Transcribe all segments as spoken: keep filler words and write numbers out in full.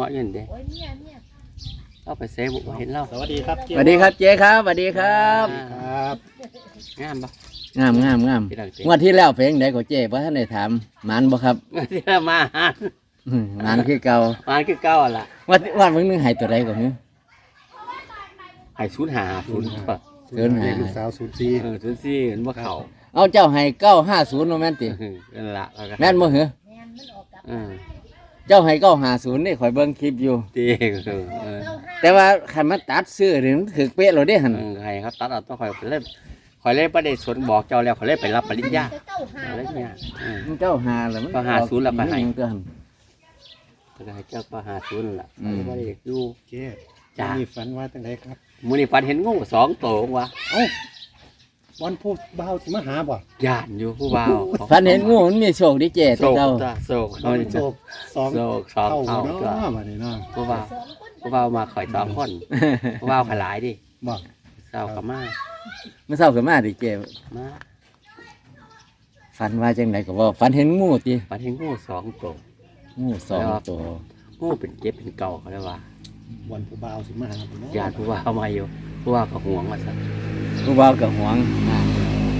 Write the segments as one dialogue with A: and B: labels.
A: งาะยืนเด้เราไปเซบุกเห็นเรา
B: สวัสดีครับ
C: สวัสดีครับเจ๊ครับสวัสดีครับ
B: ครับ
A: งามปะ
C: งามงามงามงวดที่แล้วเพลงใดของเจ๊เพราะท่านได้ถามหมันบ่ครับ
A: ที่เรามาหา
C: อืมหมันคือเก่า
A: มาคือเก้าอ่ะล่ะ
C: วัดวัดเพิ่งนึงใหายตัวใดก่อนเนี่ย
A: ไอ้ศูนย์หาศูนย์
C: เกินหา
B: ลูกสาวศูนย์สี่
A: เออศูนย์สี่เห็นว่าเขา
C: เอาเจ้าให้เก้าห้าศูนย์โนแม่นติ
A: นั่นละ
C: แม่นบ่เหรอ
A: อืม
C: เจ้าให้เก้าห้าศูนย์นี่ข่อยเบิ่งคลิปอยู่
A: ตีเออเออ
C: แต่ว่าคันมาตัดซื้อนี่มันถือเป๊ะเราได้หั่น
A: ใครครับตัดเอาต้องคอยเล่นคอยเล่นประเด็นสวนบอกเจ้าแล้วคอยเล่นไปรับปริญญาอะไรเนี่ยอืม
C: มันเก้าห้าแล้วมัน
A: เก้าห้าศูนย์แล้วไปให้
C: มันก็หั่น
A: ก็ให้เจ้าก็หาศูนย์ล่ะ
C: อืม
A: ไม่ได้อยู่
B: เจ๊
A: จ้า
B: มีฝันว่าตั้งไหนครับ
A: มื้อนี้ฝันเห็นงูสองตัววะ
B: เอ้าวันพูดเบาสิมาหาบ่
A: ย่านอยู่ผู้บ่าว
C: ฝันเห็นงูมันมีโชคดีเจ๊
A: โศ
C: แต่
A: ก
C: เก่า
A: จ้ะโศก
B: ตอนโศกสอง
A: โศกสอง
B: เท่า
A: เท่า
B: เนาะ
A: จ้ะ
B: มาเนี่ยเนาะ
A: ผู้บ่าวผู้บ่าวมาข่อยสองคนผู้บ่าวขลายดิ
B: บ่
A: เศร้ากับมา
C: เมื่อเช้าก็มาดิเจ๊
A: มา
C: ฝันว่าจังไดก็บ่ฝันเห็นงูติ
A: ฝันเห็นงูสองตัว
C: งูสองตัว
A: งูเป็นเจ็บเป็นเก่าเขาเรียกว่า
B: วันผู้เบาสิมาหาบ่เนาะ
A: ญาติผู้บ่าวมาอยู่ผู้บ่าวก็ห่วงว่าซะ
C: ผู้บ่าวก็หวงมาก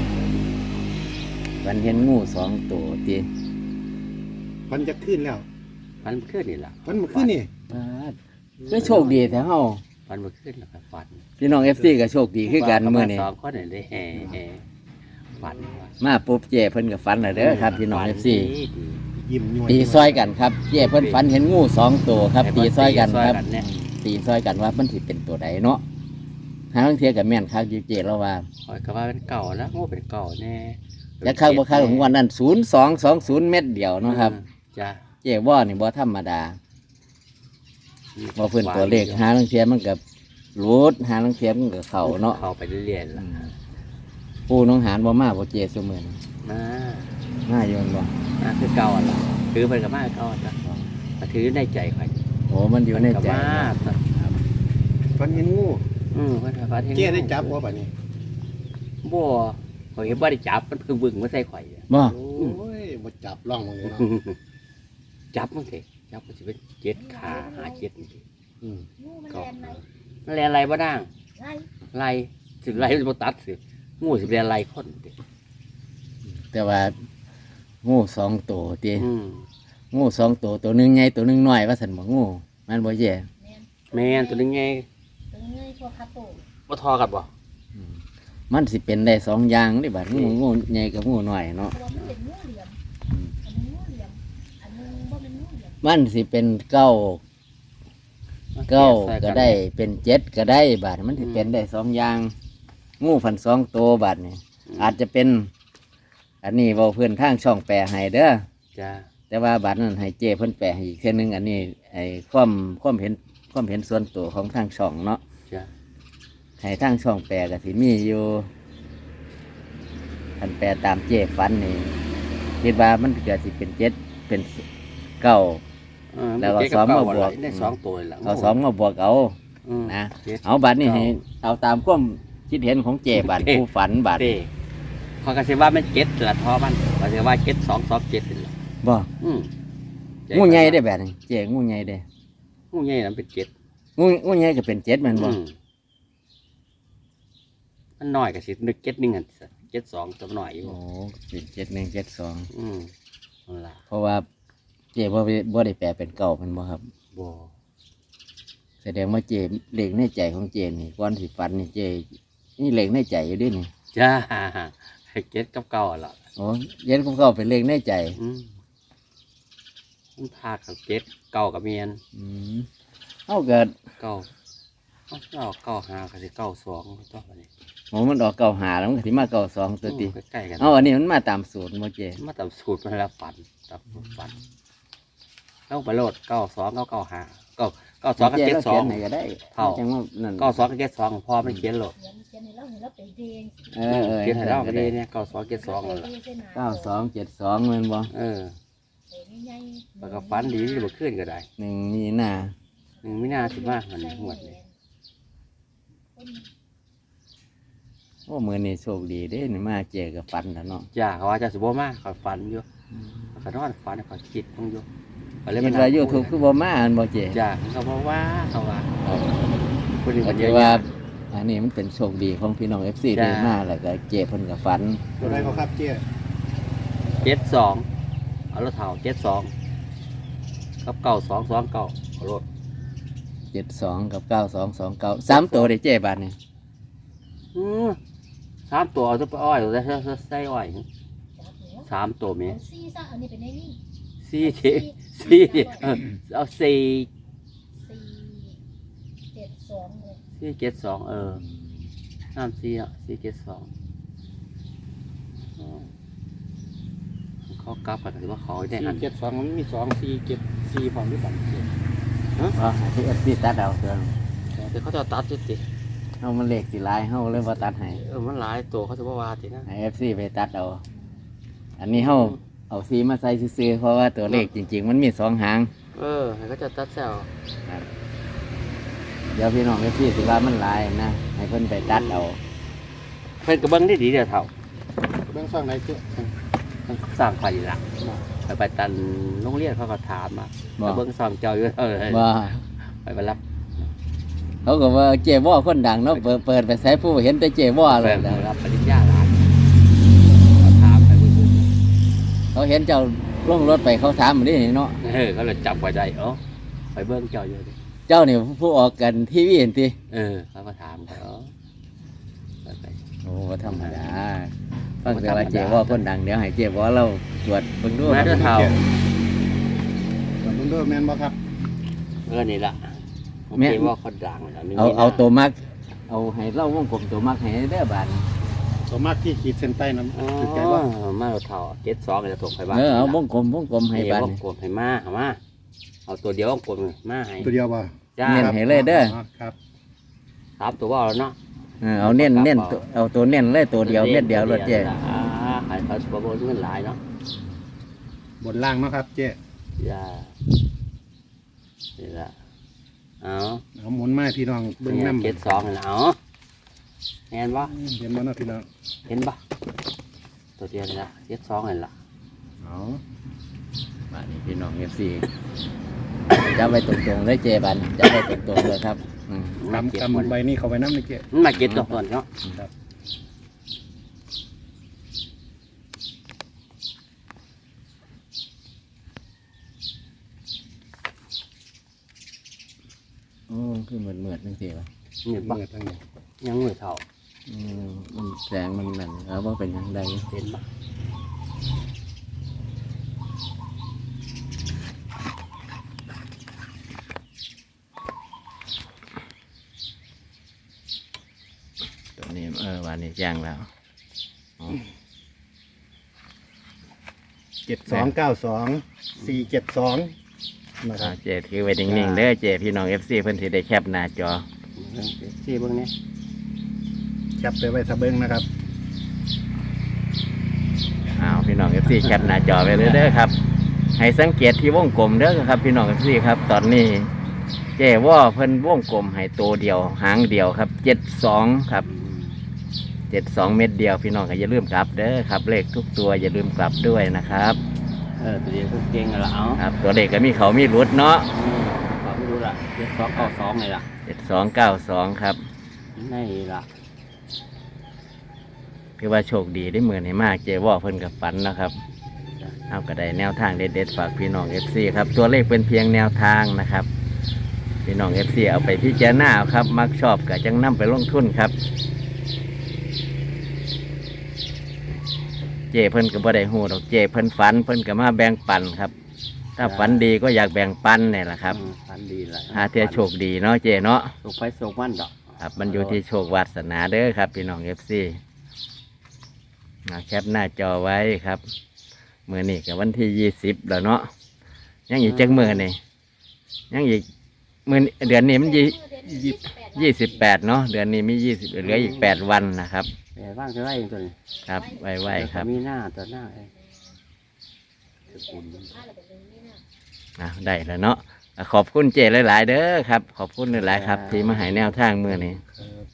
C: ฝันเห็นงูสองตัวติ
B: วันจะขึ้นแล้ว
A: ฝันเมื่อคืนนี่ล่ะ
B: วันเมื่อคืนนี่
C: ปาดก็โชคดีแท้เฮา
A: ฝันเมื่อคืนแล้วก็ฝัน
C: พี่น้อง เอฟ ซี ก็โชคดีคือกันมื้อนี้
A: สองคนนี่ได้แห่แห่ฝันว่า
C: มาปุ๊บเจ้เพิ่นก็ฝันแล้วเด้อครับพี่น้อง เอฟ ซี
A: ดีดี
B: ยิ้มย้อย
C: ตีซอยกันครับเจ้เพิ่นฝันเห็นงูสองตัวครับ ตีซอยกันครับ
A: ตีซอยเนี่ย
C: ตีซอยกันว่ามันสิเป็นตัวใดเนาะหาลางเทียก็แม่นคักอยู่เจ้เราว่า
A: คอยก็ว่าเป็นเก่าแล้วงูเป็นเก่าแน่
C: แล้วคักบ่คักของวันนั้นศูนย์สองสองศูนย์เม็ดเดียวเนาะครับ
A: จ้ะ
C: เจ้ว่านี่บ่ธรรมดาบ่เพิ่นตัวเลขหาลางเทียมันก็รูดหาลางเทียมันก็เข้าเนาะ
A: เข้าไปเรื่อยๆล่ะ
C: ปูน้องหานบ่มาบ่เจ้ซุมื้อนี้
A: มา
C: มาอยู่แม่นบ่
A: มาคือเก่าอ่ะล่ะถือไปกับมาเก่าจ้ะมาถือในใจข่อย
C: โอ้มันอยู่ใน
A: กับ
C: ใจ
A: มาจ้ะ
B: ฝันเห็นงู
A: อืมเพิ่นว่าฝันเห็น
B: เจ๊ได้จับบ่บัดนี้
A: บ่ข่อยเห็นบ่ได้จับมันเพิ่งบึ้งมาใส่ข่อยอะ
C: บ่
B: โอ้ยบ่จับร่องมึงเลยเนาะ
A: จับมันสิจับมันสิเป็นเจ็ดขาหาเจ็ดนี่สิ
B: อืม
A: ก็มันแลนอะไรบ่ด่างไล่สิไล่มันบ่ตัดสิงูสิแลนอะไรคนติ
C: แต่ว่างูสองตัวติ
A: อืม
C: งูสองตัวตัวหนึงใหญ่ตัวหนึงน้อยว่าซั่นบ่งูมันบ่แย่
A: แม่นตัวนึงไงบ่ทอกันบ่
C: มันสิเป็นได้สองอย่างนี่บัดงูงูใหญ่กับงูน้อยเนาะมันสิเป็นเก้าเก้าก็ได้เป็นเจ็ดก็ได้บาดมันสิเป็นได้สองอย่างงูพันสองตัวบาดนี่อาจจะเป็น อันนี้เว้าเพื่อนทางช่องแปลให้เด้อ
A: จ้า
C: แต่ว่าบาดนั้นให้เจ้เพิ่นแปลให้อีกเทื่อนึงอันนี้ไอ้ความความเห็นความเห็นส่วนตัวของทางช่องเนาะ
A: จ้า
C: ให้ทางช่องแปลก็สิมีอยู่คันแปลตามเจ้ฝันนี่คิดว่ามันเกิดสิเป็นเจ็ดเป็นเก้า แล้วก็ซ้อมมาบวก
A: ได้สองตัวล่ะ
C: เอาสองมาบวกเอา
A: อืม
C: นะ
A: จ็ด
C: เอาบัตรนี่ให้เอาตามความคิดเห็นของเจบัตร
A: เอ๊ะ
C: ผู้ฝันบัตร
A: เด้เขาก็สิว่ามันเจ็ดละทอมันเขาสิว่าเจ็ดสองสองเจ็ดนี่ล่ะ
C: บ่
A: อืม
C: งูใหญ่ได้แบบนี้เจงูใหญ่ได้
A: งูใหญ่นั้นเป็นเจ็ด
C: งูงูใหญ่ก็เป็นเจ็ดแมันบ่
A: อืมมันน้อยก็สินึกเจ็ดหนึงอันเจ็ดสองตัวน้อยอยู่
C: โอ้เป็นเจ็ดหนึ่งเจ็ดสอง
A: อืมนั่นล่ะ
C: เพราะว่าเจบ่ได้บ่ได้แปลเป็นเก่าแมันบ่ครับ
A: บ่
C: แสดงว่าเจเหล็กในใจของเจนี่ก่อนสิฝันนี่เจนี่เหล็กในใจอยู่ด้วยนี่
A: จ้าให้เจ็ดกับเก้าล่ะ
C: โอ้เย็นของเขาเป็นเหล็กในใจ
A: อืมมันพากับเจ็ดเก้ากับเมียน
C: อืมเอาเกิด
A: เก้าเอาเก้าเก้าห้าก็สิเก้าสองตัวนี้
C: โอ้มันออกเก่าหาแล้วมันก็สิมาเก่าสองตัวติ
A: อืมใกล้ๆกัน
C: เอาอันนี้มันมาตามสูตรบ่เจ
A: มาตามสูตรมันแล้วฝันตามสูตรฝันเก้าไปโลดเก้าสองเก้าเก้าห้าเก้าเก้าสองกับเจ็ดสอง
C: ไหนก็ได้
A: เท่า
C: จังว่านั่น
A: เก้าสองกับเจ็ดสองพอไม่เขียนโลด
C: เออเออ
A: เขียนให้เราก็
C: ก็
A: ดี
C: ได้
A: เนี่ยเก้าสองเจ็ดสองนั่นแหละ
C: เก้าสองเจ็ดสองเงินบ่
A: เออแล้วก็ฝันดีที่บ่ขึ้นก็ได้
C: หนึ่งมีหน้า
A: หนึ่งไม่น่าสิมากมันหมดเลย
C: โอ้มือนี่โชคดีเด้นี่มาเจอกับฟันแล้วเนาะ
A: จ้าเขาว่าจะสุโบมากเขาฝันอยู่เขานอนฝันเขาคิดต้องอยู่ก็เลย
C: เห็
A: มาน
C: ว่ายูทูบคือบ่มาอันบ่เจ
A: จ้าเขาบอกว่าเขาว่าคนอื่น
C: ก็
A: มันเย
C: ถื
A: อะ
C: อว่า
A: แยะ
C: อันนี้มันเป็นโชคดีของพี่น้อง เอฟ ซี
A: จ้า
C: ได้มาแล้วก็เจเพิ่นก็ฝัน
B: ตัวใดเขาครับเจ๊
A: เจ็ดสองเอารถเท่าเจ็ดสองกับเก้าสองสองเก้าเอารถ
C: เจ็ดสองกับเก้าสองสองเก้าสามตัวได้เจบาทนี่
A: อือสามตัวเอาตัวไปอ้อยเอาใส่ใส่อ้อยสามตัวเมีย
D: เอาซี่ซะอันนี้เป็นไอ้นี่
A: สี่เจ็ดสี่เออเอาสี่
D: สี่เจ็ดสองเลย
A: สี่เจ็ดสองเออน้ำสี่อ่ะสี่เจ็ดสองอ๋อเขากลับกันหรือว่าเขาได้
B: สี่
A: อัน
B: เจ็ดสองมันมีสองสี่เจ็ดสี่พร้อมด้วยกัน
C: อ๋อที่ เอฟ ซี ตัดเอาเถอะ
A: เดี๋ยวเขาจะตัดจิติ
C: เฮามันเลขสิหลายเฮาเลยบ่ตัดให้
A: เออมันหลายตัวเขาจะว่าวาตินะ
C: ให้ เอฟ ซี ไปตัดเอา อันนี้เฮาเอาสีมาใส่ซื่อๆเพราะว่าตัวเลขจริง ๆ มันมีสองหาง
A: เออให้เขาจะตัดแซว
C: เดี๋ยวพี่น้อง เอฟ ซี สิว่ามันหลายนะให้เพิ่นไปตัดเอา
A: เพิ่นกระเบื้องได้ดีเดียวเท่า
B: เบื้องซ่องไหนเจ๊
A: สร้างไฟละไปไปตันโรงเรียนเขาก็ถามมา
C: บ่
A: กระเบื้องซองเจ้าอยู่เออ
C: ว่า
A: ไปไปรับ
C: เขาก็ว่าเจว่าคนดังเนาะเปิดเปิดไปใช้ผู้เห็นแต่เจว่าเล
A: ไป
C: ยนะ
A: รับปริญญาหลานเขาถามไปเบิ่ง
C: เขาเห็นเจ้าล่องรถไปเขาถามมันนี่เนาะ
A: เออเขาเลยจับไว้ได้เออไปเบิ้งเจ้าอยู่ดิ
C: เจ้านี่ผู้ออกกันทีวีเห็นติ
A: เออเขาก็ถามไปเออไปไป
C: โอ้บ่ธรรมดาฟังแต่ว่าเจว่าคนดังเดี๋ยวให้เจว่าเราตรวจเบิ่งดู
A: แม่เด้อเท่า
B: แต่เบื้องด้วยแมนบ่ครับ
A: เออนี่ละโอเคว่าคนดังแล้วมี
C: เอา
A: นี่นะ
C: เอาตัวมัก เอาให้เล่าวงกลมตัวมักให้เด้อบาน
B: ตัวมากที่ขีดเส้นใต้นั้น
A: อ๋อ
B: คือใจว่า
A: มาเราเท่าเจ็ดสองจะถูกไปบ้าน
C: เออเอาวงกลมวงกลมให้
A: ให้
C: บา
A: บ้าน นกดให้มาเอามาเอาตัวเดียวกดมาให้
B: ตัวเดียวบ่
A: จ้า
C: เน้นให้เลยเด้อ
B: ครับ
A: สามตัวว่าแล้วเนาะ
C: เออเอาเน้นเน้นตัวเอาตัวเน้นเลยตัวเดียวเม็ดเดียวรถเจ
A: อ่าขายเขาบนเงินหลายเนาะ
B: บนล่างเนาะครับเจ๊
A: จ้านี่ละเอา
B: เอาหมุนไม้พี่น้องเบื้องน้ำ
A: เจ็ดสองนี่ละเอาเห็นปะ
B: เห็นบ่เนาะพี่น้อง
A: เห็นปะตัวเดียวนี่ละเจ็ดสองนี่ละ
B: เอา
C: บานนี้พี่น้อง เอฟ ซี จับไว้ตรงๆเลยเจบันจับไว้ตรงๆเลยครับอืม
B: กำกำใบนี้เข้าไปน้ำเลยเจ๊
A: มันมาเก็ตตัวก่อนเนาะ
B: ครับ
C: โอ้คือเหมือนเหมือนจังซี่วะ
A: นี่ปะ
B: เมื่อทั้งนี้
A: ยังมือเท่า
C: อืมมันแสงมันนั่นเอาว่าเป็นยังไง
A: เห็นปะ
C: ตัวนี้เออวันนี้แจ้งแล้วอ๋อ
B: เจ็ดสองเก้าสองสี่เจ็ดสองนะค
C: อ่า
B: รับ
C: เจถือไว้นิ่งๆเด้อเจพี่น้อง เอฟ ซี เพิ่นสิได้แคปหน้าจอ
A: สี่เบื้องนี้
B: แคปไปไว้ทะเบิ้งนะครับ
C: อ้าวพี่น้อง เอฟ ซี แคปหน้าจอไว้เลยเด้อครับ ให้สังเกตที่วงกลมเด้อครับ พี่น้อง เอฟ ซี ครับ ตอนนี้ เจว่าเพิ่นวงกลมให้ตัวเดียวหางเดียวครับเจ็ดสองครับเจ็ดสองเม็ดเดียวพี่น้องก็อย่าลืมกลับเด้อครับเลขทุกตัวอย่าลืมกลับด้วยนะครับ
A: เออตัวเดียวก็เก่งแล้วเอา
C: ครับ ตัวเลขก็มีเขามีรุดเนาะ
A: ขอไม่รู้ละเจ็ดสองเก้าสองนี่ละ
C: เจ็ดสองเก้าสองครับ
A: นี่ละ
C: คือว่าโชคดีได้เหมือนให้มากเจว่าเพิ่นกับฝันนะครับเอาก็ได้แนวทางเด็ดๆฝากพี่น้อง เอฟ ซี ครับตัวเลขเป็นเพียงแนวทางนะครับ พี่น้อง เอฟ ซี เอาไปพิจารณาเอาครับ มักชอบก็จังนำไปลงทุนครับ เจเพิ่นก็บ่ได้ฮู้ดอกเจเพิ่นฝันเพิ่นก็มาแบ่งปันครับ ถ้าฝันดีก็อยากแบ่งปันนี่แหละครับ
A: อืมฝันดีละ
C: หาเทียโชคดีเนาะเจเนาะ
A: ส่งไปส่งมันดอก
C: ครับมันอยู่ที่โชควาสนาเด้อครับ พี่น้อง เอฟ ซี แคปหน้าจอไว้ครับมื้อนี้ก็วันที่ยี่สิบแล้วเนาะยังอีกจักมื้อนี่ยังอีกมื้อนี้เดือนนี้มันยี่
D: ยี่สิบ
C: ยี่สิบแปดเนาะเดือนนี้มียี่สิบเหลืออีกแปดวันนะครับ
A: แต่ว่างจะไล่เองตัวนี้
C: ครับไว้ๆครับ
A: มีหน้าตัวหน้าเอง
C: อ่ะได้แล้วเนาะอ่ะขอบคุณเจหลายๆเด้อครับ ขอบคุณหลายๆครับ ที่มาให้แนวทางมื้อนี้
B: ครับ